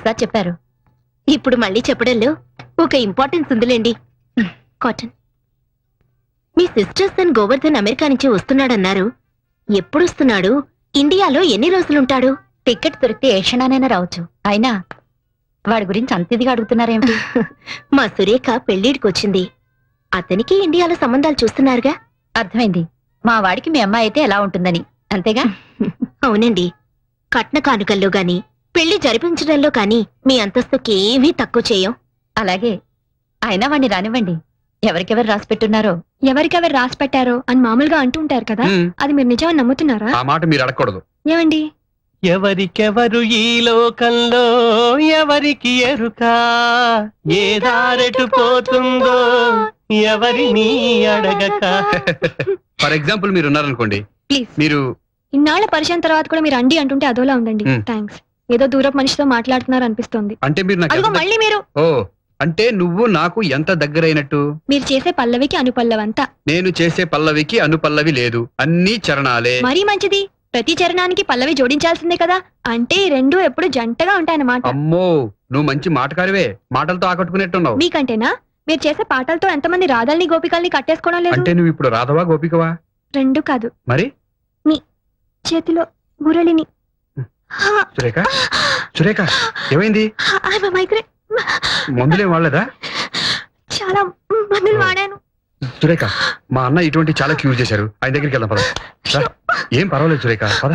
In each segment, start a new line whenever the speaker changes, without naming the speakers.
ఒకసారి చెప్పారు.
ఇప్పుడు మళ్ళీ చెప్పడంలో ఒక ఇంపార్టెన్స్ ఉందిలేండి. కాటన్, మీ సిస్టర్స్ అండ్ గోవర్ధన్ అమెరికా నుంచి వస్తున్నాడన్నారు. ఎప్పుడు వస్తున్నాడు? ఇండియాలో ఎన్ని రోజులుంటాడు?
టికెట్ దొరికితే ఏ క్షణానైనా రావచ్చు. అయినా వాడి గురించి అంత ఇదిగా అడుగుతున్నారేమిటి?
మా సురేఖ పెళ్లిడికొచ్చింది. అతనికి ఇండియాలో సంబంధాలు చూస్తున్నారుగా.
అర్థమైంది. మా వాడికి మీ అమ్మాయి అయితే ఎలా ఉంటుందని, అంతేగా?
అవునండి. కట్న కానుకల్లో గాని పెళ్లి జరిపించడంలో కాని మీ అంతస్తుకి ఏమీ తక్కువ చేయం.
అలాగే. అయినా వాడిని రానివ్వండి. ఎవరికెవరు రాసి పెట్టున్నారో.
ఎవరికెవరు రాసి పెట్టారో అని మామూలుగా అంటూ ఉంటారు కదా, అది మీరు నిజమని నమ్ముతున్నారా?
ఆ మాట మీరు అడగకూడదు.
ఏమండి?
ఎవరికెవరు ఈ లోకంలో ఎవరికి ఎరుక, ఏ దారెటు పోతుందో ఎవరిని అడగక.
ఫర్ ఎగ్జాంపుల్ మీరు ఉన్నారనుకోండి,
ప్లీజ్.
మీరు
ఇన్నాళ్ల పరిచయం తర్వాత కూడా మీరు అండి అంటుంటే అదోలా ఉందండి. థ్యాంక్స్. ఏదో దూరపు మనిషితో మాట్లాడుతున్నారు అనిపిస్తోంది.
అంటే మీరు నాకు
అదిగో
ఎంత
మళ్ళీ మీరు.
ఓ, అంటే నువ్వు నాకు ఎంత దగ్గరైనట్టు?
మీరు చేసే పల్లవికి అనుపల్లవంతా.
నేను చేసే పల్లవికి అనుపల్లవి లేదు, అన్ని చరణాలే.
మరీ మంచిది. ప్రతి చరణానికి పల్లవి జోడించాల్సిందే కదా. అంటే ఈ రెండు ఎప్పుడు జంటగా ఉంటాయన్నమాట.
అమ్మో, నువ్వు మంచి మాటకారివే. మాటలతో ఆకట్టుకునేట్టున్నావు.
మీకంటేనా? మీరు చేసే పాటలతో ఎంతమంది రాధల్ని గోపికల్ని కట్టేసుకోవడం లేదు?
అంటే నువ్వు ఇప్పుడు రాధవా గోపికవా?
రెండు కాదు,
మరి
చేతిలో మురళిని.
సురేఖ, సురేఖ ఏమైంది?
మైగ్రేన్.
మందులేం వాడలేదా?
చాలా మందులు వాడాను.
సురేఖ, మా అన్న ఇటువంటి చాలా క్యూర్ చేశారు. ఆయన దగ్గరికి వెళ్దాం పద. రా. ఏం పర్వాలేదు సురేఖ, పద.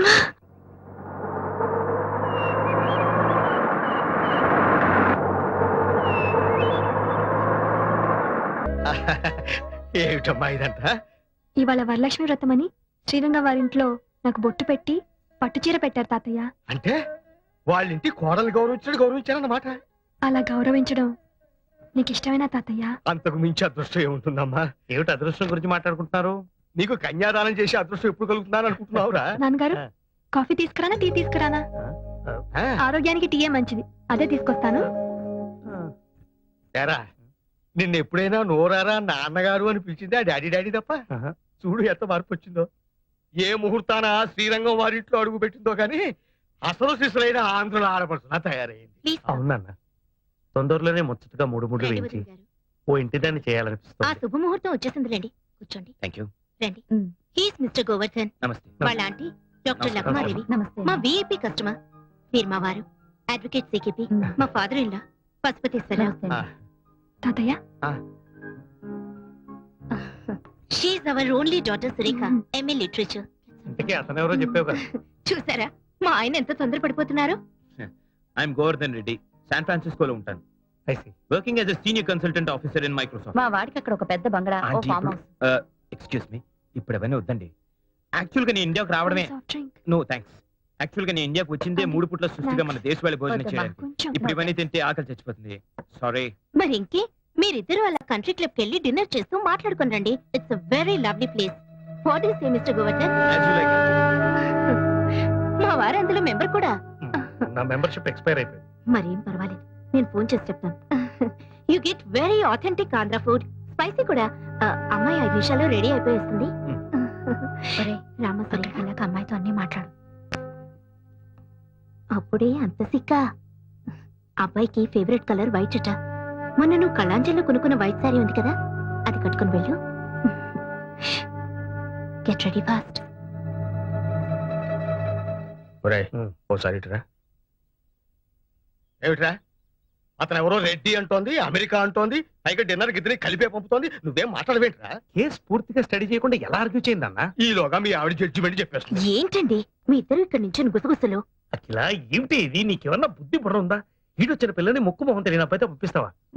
ఏమిటమ్మా ఇదంతా?
ఇవాళ వరలక్ష్మి వ్రతం అని శ్రీరంగ వారింట్లో నాకు బొట్టు పెట్టి పట్టుచీర పెట్టారు తాతయ్య.
అంటే వాళ్ళింటి కోడలు గౌరవించారన్నమాట.
అలా గౌరవించడం నీకు ఇష్టమేనా తాతయ్య?
అంతకు మించి అదృష్టం ఏముంటుందమ్మా? ఏమిటి అదృష్టం గురించి మాట్లాడుకుంటున్నారు? నీకు కన్యాదానం చేసి అదృష్టం ఎప్పుడు కలుగుతున్నాను అనుకుంటున్నావురా?
నాన్నగారు, కాఫీ తీసుకురానా టీ తీసుకురానా? ఆరోగ్యానికి టీయే మంచిది, అదే తీసుకొస్తాను.
ఏరా, నిన్న ఎప్పుడైనా నోరారా నాన్నగారు అని పిలిచింది ఆ డాడీ డాడీ తప్ప? చూడు ఎంత మార్పు వచ్చిందో. ఏ ముహూర్తాన శ్రీరంగం వారింట్లో అడుగు పెట్టిందో కానీ అసలు శిశులైన ఆంధ్రుల ఆడపడుతున్నా తయారైంది. అవునన్నా, తొందరలోనే ముచ్చటగా మూడు వేయించి ఓ ఇంటి దాన్ని
ఆ
చేయాలనిపిస్తుంది.
శుభముహూర్తం వచ్చేసిందిలేండి. కూర్చోండి.
Thank you.
రండి. He's mister Govardhan.
నమస్తే.
వాళ్ళ ఆంటీ డాక్టర్ లక్మాదేవి.
నమస్తే.
మా విఐపి కస్టమర్. మీరు మా వారు అడ్వకేట్ సికిపి. మా ఫాదర్ ఇన్ లా పశుపతీశ్వరరావు.
తాతయ్య,
she's our only daughter Surekha, MA literature.
ఇంతకీ అతనెవరో చెప్పావు కదా.
చూసారా మా ఆయన ఎంత తొందరపడిపోతున్నారు?
ఐఎమ్ గోవర్ధన్ రెడ్డి, శాన్ ఫ్రాన్సిస్కోలో ఉంటాను. Working as a senior consultant officer in Microsoft.
మా వాడికి అక్కడ ఒక పెద్ద బంగళా, ఓ
ఆంటీ,
ఫామ్
ఇప్పుడు
హౌస్.
ఎక్స్క్యూజ్ మీ, ఇప్పుడు అవన్నీ వద్దండి. యాక్చువల్ గా నేను ఇండియాకు రావడమే.
Soft drink.
No thanks. Actual గా నేను ఇండియాకు వచ్చిందే 3 పూట్ల సృష్టిగా మన దేశ వాళ్ళ భోజనం
వద్దమ్మా.
చేయడానికి.
కొంచెం.
ఇప్పుడు ఇవన్నీ తింటే ఆకలి చచ్చిపోతుంది. సారీ.
మరి ఇంకే మీరిద్దరు అలా కంట్రీ క్లబ్ కి వెళ్ళి డిన్నర్ చేస్తూ మాట్లాడుకుని రండి. It's a very lovely place. What is say mister Govardhan? మా వారు అందులో మెంబర్ కూడా.
నా మెంబర్షిప్ ఎక్స్పైర్ అయిపోయింది.
మరేం పర్వాలేదు, నేను ఫోన్ చేసి చెప్తాను. You get very authentic Andhra food, spicy కూడా. అమ్మాయి 5 నిమిషాల్లో రెడీ అయిపోయేస్తుంది. రామసరి
వెళ్ళాక అమ్మాయితో అన్ని మాట్లాడు.
అప్పుడే అంత సిక్క. అబ్బాయికి ఫేవరెట్ కలర్ వైట్ అట. మొన్న నువ్వు కళాంజలిలో కొనుక్కున్న వైట్ సారీ ఉంది కదా, అది కట్టుకుని వెళ్ళు. Get ready fast.
ఓసారి ఏమిట్రా, అతను ఎవరో రెడ్డి అంటోంది, అమెరికా అంటోంది, పైగా డిన్నర్ గిద్దరి కలిపే పంపుతోంది. నువ్వేం మాట్లాడవేంట్రా? కేసు పూర్తిగా స్టడీ చేయకుండా ఎలా ఆర్గ్యూ చేయిందన్నా? ఈలోగా మీ ఆవిడ జడ్జిమెంట్ చెప్పేస్తుంది.
ఏంటండి మీ ఇద్దరు ఇక్కడ నుంచి గుసగుసలు?
అఖిల, ఏమిటి ఇది? నీకేమన్నా బుద్ధి బుర్ర ఉందా? ఈడొచ్చిన పిల్లని ముక్కు మొహం తెలియని అబ్బాయితో పంపిస్తావా?